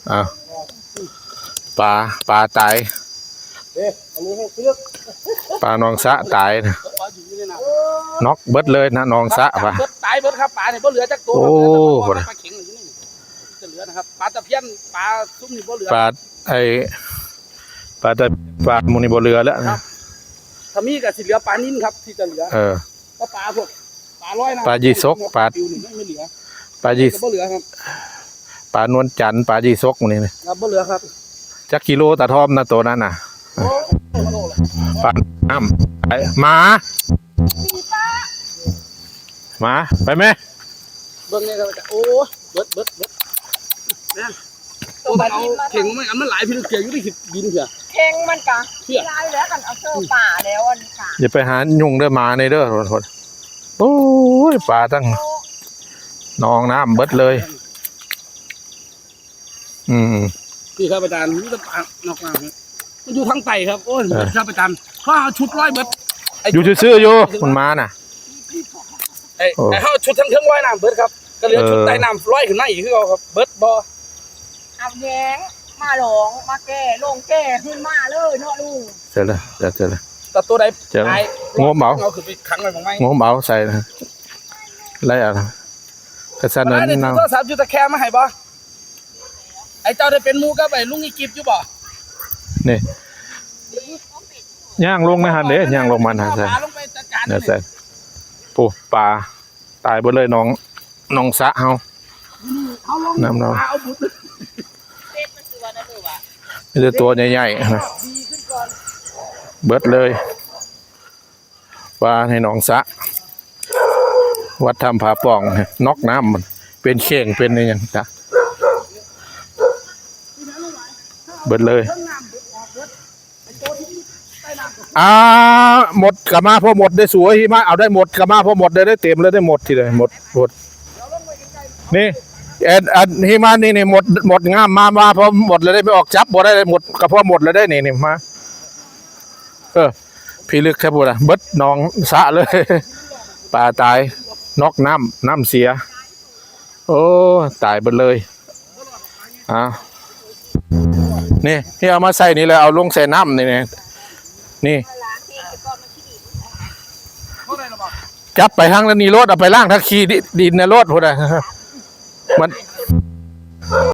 อ้าวปลาตายปลาหนองสะตายนะน็อกเบิดเลยนะหนองสะปลาตายเบิดครับปลาเนี่ยบ่เหลือจักตัวปลาเข็งอยู่นี่จะเหลือนะครับปลาตะเพียนปลาซุ้มนี่บ่เหลือปลาปลามูนี่บ่เหลือแล้วนะถ้ามีก็สิเหลือปลานิ่นครับที่จะเหลือก็ปลาพวกปลาร้อยนะปลายีสกปลาไม่เหลือปลายีบ่เหลือครับปลานวลจันทร์ปลายีสกนี่ครับบ่เหลือครับจักกิโลตาทอมนะตัวนั้นน่ะปลาน้ำหมาไปไหมเบิ่งนี่ครับโอ้เบิดนะโอ้เอาเข่งมันหลายพี่เกี่ยวอยู่ที่ดินเถอะเข่งมันกะลายแล้วกันเอาเสื้อป่าแล้วอันนี้ค่ะอย่าไปหายุงเด้อมาในเด้อทนโอ้ยปลาตั้งนองน้ำเบิดเลยพี่ครับอาจารย์นี่ก็ปลานอกน้ำมันอยู่ทางไต่ครับโอ้ยครับอาจารย์ข้าชุดร้อยเบิดอยู่ซื่อๆอยู่มันมาน่ะไอ้เขาชุดทั้งร้อยน้ำเบิดครับก็เหลือชุดใต้น้ำร้อยขึ้นมาอีกคือเขาครับเบิดบ่เอาแย้งมาหลงมาแก่ลงแก่ขึ้นมาเลยเนาะลุงเจอเลยแต่ตัวใดงมเบาเอาคือไปขังไว้ของไม้งมเบาใส่นะไรอะไรกระสันนั้นนี่ตัว3จุดตะแคงมาให้บ่ไอ้เจ้าได้เป็นมูกับไอ้ลุงอีกิบอยู่บ่นี่ย่างลงนะฮะเด้ย่างลงมันฮะใช่เนี่ยใช่ปูปลาตายหมดเลยน้องสะเฮาน้ำเรานี่จะตัวใหญ่ๆนะเบิดเลยปลาให้น้องสะวัดทำผาป่องนอกน้ำมันเป็นเข่งเป็นอะไรอย่างจ้ะเบิดเลยหมดกระมาพอหมดได้สวยมาเอาได้หมดกระมาพอหมดได้เต็มเลยได้หมดทีเลยหมดนี่ฮิมานี่หมดงามมาพอหมดเลยได้ไม่ออกจับหมดได้หมดกระเพาะหมดเลยได้นี่มาพี่ลึกแค่พูดอะเบิดน้องสะเลยปลาตายนอกน้ำเสียโอ้ตายหมดเลยนี่ที่เอามาใส่นี่เลยเอาลงใส่น้ำนี่จับไปทางนี้รถเอาไปล่างทักขี้ดินในรถพูดอะมัน